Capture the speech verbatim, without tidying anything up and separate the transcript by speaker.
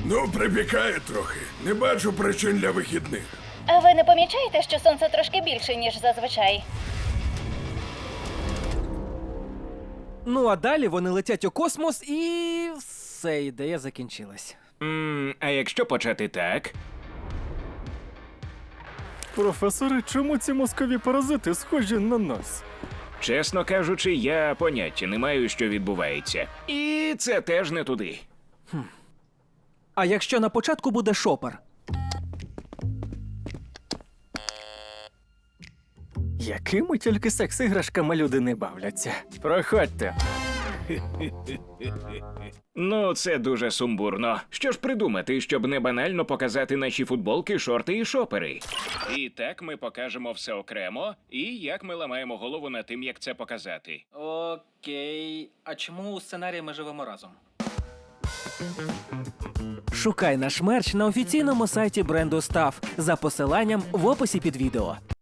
Speaker 1: Ну, припікає трохи. Не бачу причин для вихідних.
Speaker 2: А ви не помічаєте, що сонце трошки більше, ніж зазвичай?
Speaker 3: Ну а далі вони летять у космос і все, ідея закінчилась.
Speaker 4: М, а якщо почати так?
Speaker 5: Професоре, чому ці мозкові паразити схожі на нас?
Speaker 4: Чесно кажучи, я поняття не маю, що відбувається. І це теж не туди.
Speaker 3: А якщо на початку буде шопер?
Speaker 5: Якими тільки секс-іграшками люди не бавляться. Проходьте.
Speaker 4: Ну, це дуже сумбурно. Що ж придумати, щоб не банально показати наші футболки, шорти і шопери? І так ми покажемо все окремо, і як ми ламаємо голову над тим, як це показати.
Speaker 6: Окей. А чому у сценарії ми живемо разом?
Speaker 3: Шукай наш мерч на офіційному сайті бренду Став за посиланням в описі під відео.